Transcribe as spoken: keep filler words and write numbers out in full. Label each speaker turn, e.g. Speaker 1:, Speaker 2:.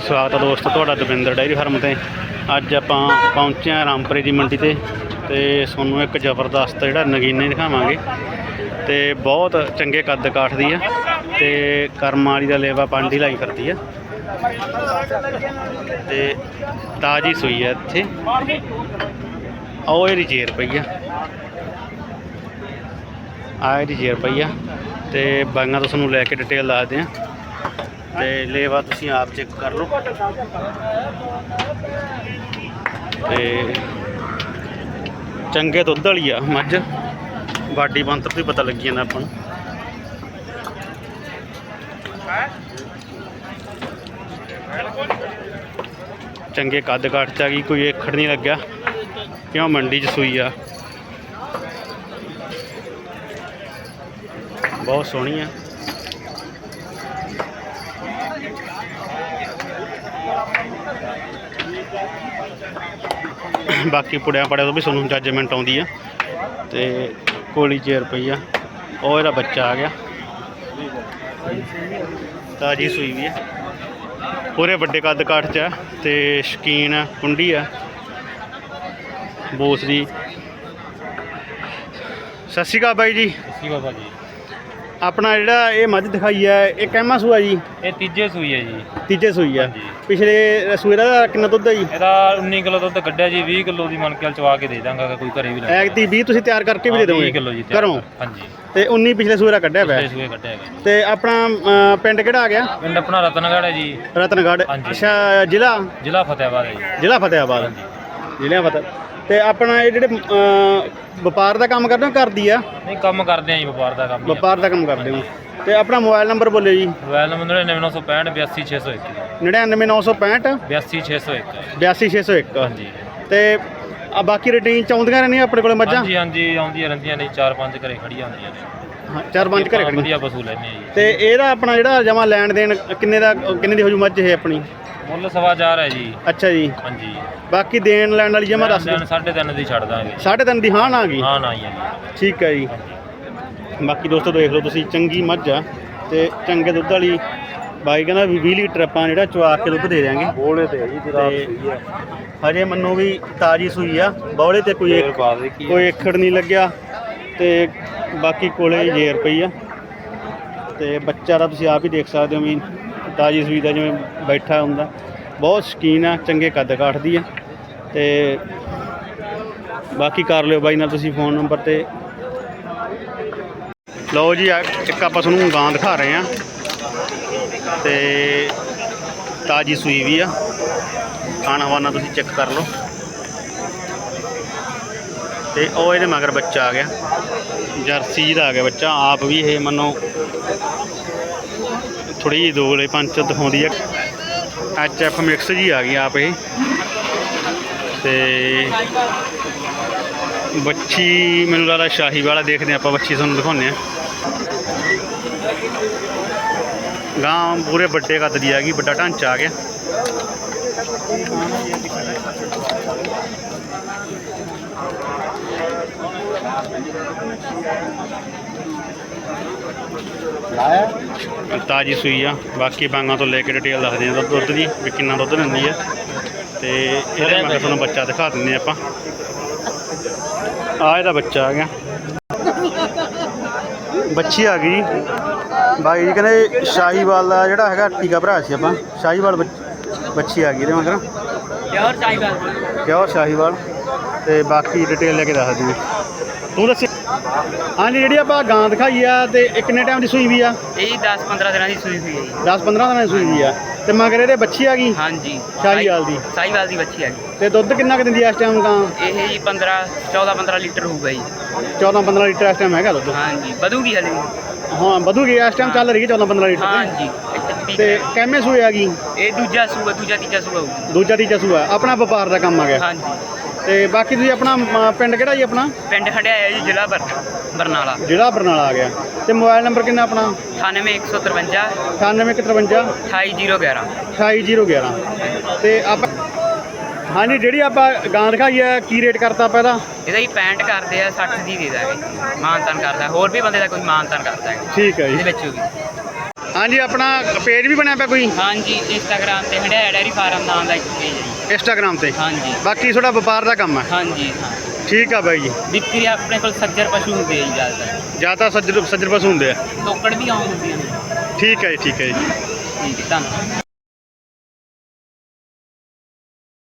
Speaker 1: स्वागत है दोस्तों तुहाडा दविंदर डेयरी फार्म ते। अज आपां पहुंचे हैं रामपुरे की मंडी ते ते सोनू एक जबरदस्त जिहड़ा नगीने दिखावांगे ते बहुत चंगे कद काठ दी है ते करम वाली दा लेवा पांडी लाई करती है ते ताजी सूई है इत्थे। आओ ये जेर पई है आ ये जेर पई है ते बाइयां तो तुहानूं लैके डिटेल दसदे हैं ते लेवा तुसीं आप चेक कर लो ते चंगे दुध वाली आ मझ बाडी बंतर भी पता लगी जाता अपन। चंगे कद काठ च आ गई, कोई एकड़ नहीं लग्या क्यों मंडी च सूई आ, बहुत सोहनी है। बाकी पुड़िया पड़िया तो भी सुनू जजमेंट आती है तो कोली चेयर पई आ और ਇਹਦਾ बच्चा आ गया ताजी सूई भी है पूरे बड़े कद काठ च है तो शकीन है कुंडी है बोस दी। सत श्री अकाल बाई जी।
Speaker 2: सत श्री अकाल जी।
Speaker 1: अपना जिहड़ा ये मझ दिखाई है ये कैमा सूआ जी?
Speaker 2: ये तीजे सूई है जी।
Speaker 1: तीजे सूई है। पिछले सूए का कितना दुध है जी?
Speaker 2: ਇਹਦਾ उन्नी किलो दुध कढ़िया जी, बीस किलो ਦੀ ਮਨ ਕੇ ਚਵਾ ਕੇ ਦੇ ਦਾਂਗਾ ਕੋਈ ਘਰੇ ਵੀ ਲੈ।
Speaker 1: ਐਗਤੀ ਵੀਹ ਤੁਸੀਂ ਤਿਆਰ ਕਰਕੇ ਵੀ ਦੇ ਦੋਗੇ?
Speaker 2: बीस किलो जी
Speaker 1: ਘਰੋਂ?
Speaker 2: ਹਾਂਜੀ।
Speaker 1: ਤੇ उन्नी ਪਿਛਲੇ ਸੂਏ ਦਾ ਕੱਢਿਆ ਪਿਆ।
Speaker 2: ਪਿਛਲੇ ਸੂਏ ਕੱਢਿਆ ਹੈਗਾ।
Speaker 1: ਤੇ ਆਪਣਾ ਅ, ਪਿੰਡ ਕਿਹੜਾ ਆ ਗਿਆ?
Speaker 2: ਪਿੰਡ ਆਪਣਾ ਰਤਨਗੜ੍ਹ ਹੈ ਜੀ।
Speaker 1: ਰਤਨਗੜ੍ਹ।
Speaker 2: ਹਾਂਜੀ।
Speaker 1: ਅੱਛਾ ਜ਼ਿਲ੍ਹਾ?
Speaker 2: ਜ਼ਿਲ੍ਹਾ ਫਤਿਆਬਾਦ ਹੈ ਜੀ।
Speaker 1: ਜ਼ਿਲ੍ਹਾ ਫਤਿਆਬਾਦ। ਜ਼ਿਲ੍ਹਾ ਫਤਿਹ। ਤੇ ਆਪਣਾ ਇਹ ਜਿਹੜੇ ਅ, ਵਪਾਰ ਦਾ ਕੰਮ ਕਰਦੇ ਹੋ ਕਰਦੀ ਆ?
Speaker 2: ਨਹੀਂ ਕੰਮ ਕਰਦੇ ਆ ਜੀ, ਵਪਾਰ ਦਾ ਕੰਮ।
Speaker 1: ਵਪਾਰ ਦਾ ਕੰਮ ਕਰਦੇ ਹੋ ਤੇ ਆਪਣਾ ਮੋਬਾਈਲ ਨੰਬਰ ਬੋਲੇ ਜੀ।
Speaker 2: ਮੋਬਾਈਲ ਨੰਬਰ ਨੜਿਨਵੇਂ ਨੌ ਸੌ ਪੈਂਹਠ ਬਿਆਸੀ ਛੇ ਸੌ ਇੱਕ।
Speaker 1: ਨੜਿਨਵੇਂ ਨੌ ਸੌ ਪੈਂਹਠ
Speaker 2: ਬਿਆਸੀ ਛੇ ਸੌ ਇੱਕ।
Speaker 1: ਬਿਆਸੀ ਛੇ ਸੌ ਇੱਕ।
Speaker 2: ਹਾਂਜੀ।
Speaker 1: ਤੇ ਆ ਬਾਕੀ ਰੂਟੀਨ ਚ ਆਉਂਦੀਆਂ ਰਹਿੰਦੀਆਂ ਆਪਣੇ ਕੋਲ ਮੱਝਾਂ?
Speaker 2: ਹਾਂਜੀ ਹਾਂਜੀ ਆਉਂਦੀਆਂ ਰਹਿੰਦੀਆਂ ਨੇ, ਚਾਰ ਪੰਜ ਘਰੇ ਖੜੀਆਂ ਹੁੰਦੀਆਂ ਨੇ।
Speaker 1: ਹਾਂ ਚਾਰ ਪੰਜ ਘਰੇ ਖੜੀਆਂ।
Speaker 2: ਵਧੀਆ ਪਸ਼ੂ ਲੈਣੇ ਆ ਜੀ।
Speaker 1: ਤੇ ਇਹਦਾ ਆਪਣਾ ਜਿਹੜਾ ਜਮਾ ਲੈਣ ਦੇਣ ਕਿੰਨੇ ਦਾ ਕਿੰਨੇ ਦੀ ਹੋ ਜੂ ਮੱਝ ਇਹ ਆਪਣੀ?
Speaker 2: ਮੁੱਲ ਸਵਾ ਚਾਰ ਹੈ ਜੀ।
Speaker 1: ਅੱਛਾ ਜੀ।
Speaker 2: ਹਾਂਜੀ।
Speaker 1: ਬਾਕੀ ਦੇਣ ਲੈਣ ਵਾਲੀ ਜਮਾ ਦੱਸ ਦਿਓ।
Speaker 2: ਸਾਢੇ ਤਿੰਨ ਦੀ ਛੱਡ ਦਾਂਗੇ।
Speaker 1: ਸਾਢੇ ਤਿੰਨ ਦੀ ਹਾਂ ਨਾ ਆ ਗਈ?
Speaker 2: ਹਾਂ ਨਾ ਹੀ ਹੈ ਜੀ।
Speaker 1: ਠੀਕ ਹੈ ਜੀ। ਬਾਕੀ ਦੋਸਤੋ ਦੇਖ ਲਓ ਤੁਸੀਂ ਚੰਗੀ ਮੱਝ ਆ ਤੇ ਚੰਗੇ ਦੁੱਧ ਵਾਲੀ ਬਾਈ ਕਹਿੰਦਾ ਵੀ ਵੀਹ ਲੀਟਰ ਆਪਾਂ ਜਿਹੜਾ ਚਵਾ ਕੇ ਦੁੱਧ ਦੇ ਦਿਆਂਗੇ। ਬੋਲੇ ਤੇ ਜੀ ਤੇ ਹਜੇ ਮੰਨੋ ਵੀ ਤਾਜੀ ਸੂਈ ਆ, ਬੌਲੇ ਤੇ ਕੋਈ ਕੋਈ ਏਖੜ ਨਹੀਂ ਲੱਗਿਆ ਤੇ ਬਾਕੀ ਕੋਲੇ ਜੇਰ ਪਈ ਆ ਤੇ ਬੱਚਾ ਦਾ ਤੁਸੀਂ ਆਪ ਹੀ ਦੇਖ ਸਕਦੇ ਹੋ ਵੀ ਤਾਜੀ ਸੂਈ ਦਾ ਜਿਵੇਂ ਬੈਠਾ ਹੁੰਦਾ, ਬਹੁਤ ਸ਼ੌਕੀਨ ਆ, ਚੰਗੇ ਕੱਦ ਕਾਠ ਦੀ ਆ ਤੇ ਬਾਕੀ ਕਰ ਲਿਓ ਬਾਈ ਨਾਲ ਤੁਸੀਂ ਫੋਨ ਨੰਬਰ ਤੇ। ਲਓ ਜੀ ਇੱਕ ਆਪਾਂ ਤੁਹਾਨੂੰ ਗਾਂ ਦਿਖਾ ਰਹੇ ਹਾਂ ਤੇ ਤਾਜੀ ਸੂਈ ਵੀ ਆ, ਖਾਣਾ ਵਾਨਾ ਤੁਸੀਂ ਚੈੱਕ ਕਰ ਲਓ ਤੇ ਉਹ ਇਹਦੇ ਮਗਰ ਬੱਚਾ ਆ ਗਿਆ ਜਰਸੀ ਦਾ ਆ ਗਿਆ ਬੱਚਾ। ਆਪ ਵੀ ਇਹ ਮੰਨੋ ਥੋੜੀ ਜਿਹੀ ਦੋਗਲੇ ਪੰਚ ਦਿਖਾਉਂਦੀ ਹੈ, ਐਚ ਐਫ ਮਿਕਸ ਜੀ ਆ ਗਈ ਆਪ ਇਹ ਤੇ ਬੱਚੀ ਮੈਨੂੰ ਲੱਗਦਾ ਸ਼ਾਹੀ ਵਾਲਾ ਦੇਖਦੇ ਆਪਾਂ, ਬੱਚੀ ਤੁਹਾਨੂੰ ਦਿਖਾਉਂਦੇ ਹਾਂ। ਗਾਂ ਪੂਰੇ ਵੱਡੇ ਕੱਦ ਦੀ ਆ ਗਈ, ਵੱਡਾ ਢਾਂਚਾ ਆ ਗਿਆ। ਤਾਜੀ ਸੂਈ ਆ। ਬਾਕੀ ਬਾਂਗਾਂ ਤੋਂ ਲੈ ਕੇ ਡਿਟੇਲ ਦੱਸਦੇ ਹਾਂ ਦੁੱਧ ਦੀ ਵੀ ਕਿੰਨਾ ਦੁੱਧ ਦਿੰਦੀ ਆ ਤੇ ਇਹਦੇ ਮੈਂ ਤੁਹਾਨੂੰ ਬੱਚਾ ਦਿਖਾ ਦਿੰਦੇ ਆਪਾਂ। ਆ ਇਹਦਾ ਬੱਚਾ ਆ ਗਿਆ, ਬੱਚੀ ਆ ਗਈ ਬਾਈ ਜੀ ਕਹਿੰਦੇ ਸ਼ਾਹੀਵਾਲ ਦਾ ਜਿਹੜਾ ਹੈਗਾ ਟੀਕਾ ਭਰਾ ਸੀ ਆਪਾਂ, ਸ਼ਾਹੀਵਾਲ ਬੱਚੀ ਆ ਗਈ ਇਹਦੇ ਮਗਰ ਪਿਓਰ ਸ਼ਾਹੀਵਾਲ। ਪਿਓਰ ਸ਼ਾਹੀਵਾਲ ਤੇ ਬਾਕੀ ਡਿਟੇਲ ਲੈ ਕੇ ਦੱਸ ਦਿਓ ਤੂੰ ਦੱਸ। ਹਾਂਜੀ ਜਿਹੜੀ ਆਪਾਂ ਗਾਂ ਦਿਖਾਈ ਆ ਤੇ ਇਹ ਕਿੰਨੇ ਟਾਈਮ ਦੀ ਸੂਈ ਵੀ ਆ?
Speaker 3: ਇਹ ਦਸ ਪੰਦਰਾਂ ਦਿਨਾਂ ਦੀ ਸੂਈ ਹੋਈ ਹੈ ਜੀ।
Speaker 1: ਦਸ ਪੰਦਰਾਂ ਦਿਨਾਂ ਦੀ ਸੂਈ ਵੀ ਆ ਤੇ ਮਗਰ ਇਹਦੇ ਬੱਚੀ ਆ ਗਈ?
Speaker 3: ਹਾਂਜੀ
Speaker 1: ਸ਼ਾਹੀਵਾਲ ਦੀ।
Speaker 3: ਸ਼ਾਹੀਵਾਲ ਦੀ ਬੱਚੀ ਆ ਗਈ।
Speaker 1: ਤੇ ਦੁੱਧ ਕਿੰਨਾ ਕੁ ਦਿੰਦੀ ਆ ਇਸ ਟਾਈਮ ਗਾਂ?
Speaker 3: ਇਹ ਜੀ ਪੰਦਰਾਂ ਚੌਦਾਂ ਪੰਦਰਾਂ ਲੀਟਰ ਹੋਊਗਾ ਜੀ।
Speaker 1: ਚੌਦਾਂ ਪੰਦਰਾਂ ਲੀਟਰ ਇਸ ਟਾਈਮ ਹੈਗਾ ਦੁੱਧ?
Speaker 3: ਹਾਂਜੀ ਵਧੂਗੀ ਹਲੇ।
Speaker 1: ਹਾਂ ਵਧੂਗੀ, ਇਸ ਟਾਈਮ ਚੱਲ ਰਹੀ ਹੈ ਚੌਦਾਂ ਪੰਦਰਾਂ ਲੀਟਰ
Speaker 3: ਹਾਂਜੀ।
Speaker 1: ਤੇ ਕਿੰਨੇ ਸੂਏ ਆ ਗਈ?
Speaker 3: ਇਹ ਦੂਜਾ ਸੂਆ, ਦੂਜਾ ਤੀਜਾ ਸੂਆ ਹੋਊਗਾ।
Speaker 1: ਦੂਜਾ ਤੀਜਾ ਸੂਆ। ਆਪਣਾ ਵਪਾਰ ਦਾ ਕੰਮ ਆ ਗਿਆ?
Speaker 3: ਹਾਂਜੀ।
Speaker 1: ਤੇ ਬਾਕੀ ਤੁਸੀਂ ਆਪਣਾ ਅ, ਪਿੰਡ ਕਿਹੜਾ ਜੀ ਆਪਣਾ?
Speaker 3: ਪਿੰਡ ਹੰਡਿਆਇਆ ਜੀ, ਜ਼ਿਲ੍ਹਾ ਬਰ ਬਰਨਾਲਾ।
Speaker 1: ਜ਼ਿਲ੍ਹਾ ਬਰਨਾਲਾ ਆ ਗਿਆ। ਤੇ ਮੋਬਾਈਲ ਨੰਬਰ ਕਿੰਨਾ ਆਪਣਾ?
Speaker 3: ਅਠਾਨਵੇਂ ਇੱਕ ਸੌ ਤਰਵੰਜਾ
Speaker 1: ਅਠਾਨਵੇਂ ਇੱਕ ਤਰਵੰਜਾ
Speaker 3: ਅਠਾਈ ਜੀਰੋ ਗਿਆਰਾਂ
Speaker 1: ਅਠਾਈ ਜੀਰੋ ਗਿਆਰਾਂ। ਤੇ ਆਪਾਂ ਹਾਂਜੀ ਜਿਹੜੀ ਆਪਾਂ ਗਾਂ ਦਿਖਾਈ ਹੈ ਕੀ ਰੇਟ ਕਰਤਾ ਆਪਾਂ ਇਹਦਾ?
Speaker 3: ਇਹਦਾ ਹੀ ਪੈਂਹਠ ਕਰਦੇ ਆ, ਸੱਠ ਦੀ ਦੇ ਦਾਂਗੇ। ਮਾਨਤਾਨ ਕਰਦਾ, ਹੋਰ ਵੀ ਬੰਦੇ ਦਾ ਕੋਈ ਮਾਨਤਾਨ ਕਰਦਾ ਹੈ।
Speaker 1: ਠੀਕ ਹੈ ਜੀ।
Speaker 3: ਇਹਦੇ ਵਿੱਚ ਹੋਗੀ
Speaker 1: ਹਾਂਜੀ ਆਪਣਾ ਪੇਜ ਵੀ ਬਣਿਆ ਪਿਆ ਕੋਈ
Speaker 3: ਹਾਂਜੀ ਇੰਸਟਾਗ੍ਰਾਮ ਤੇ ਹੰਡਿਆਇਆ ਡੈਰੀ ਫਾਰਮ ਨਾਮ ਦਾ ਇੱਕ ਪੇਜ ਹੈ ਜੀ।
Speaker 1: ਇੰਸਟਾਗ੍ਰਾਮ ਤੇ
Speaker 3: ਹਾਂਜੀ
Speaker 1: ਬਾਕੀ ਤੁਹਾਡਾ ਵਪਾਰ ਦਾ ਕੰਮ ਹੈ
Speaker 3: ਹਾਂਜੀ ਹਾਂ
Speaker 1: ਠੀਕ ਆ ਬਾਈ ਜੀ
Speaker 3: ਵਿਕਰੀ ਆਪਣੇ ਕੋਲ ਸੱਜਰ ਪਸ਼ੂ ਹੁੰਦੇ ਆ ਜੀ ਜ਼ਿਆਦਾਤਰ
Speaker 1: ਜਾਂ ਤਾਂ ਸੱਜਰ ਸੱਜਰ ਪਸ਼ੂ ਹੁੰਦੇ ਆ
Speaker 3: ਤੋਕੜ ਵੀ ਆਉਂ ਹੁੰਦੀਆਂ ਨੇ
Speaker 1: ਠੀਕ ਹੈ ਜੀ ਠੀਕ ਹੈ ਜੀ
Speaker 3: ਠੀਕ ਹੈ ਧੰਨਵਾਦ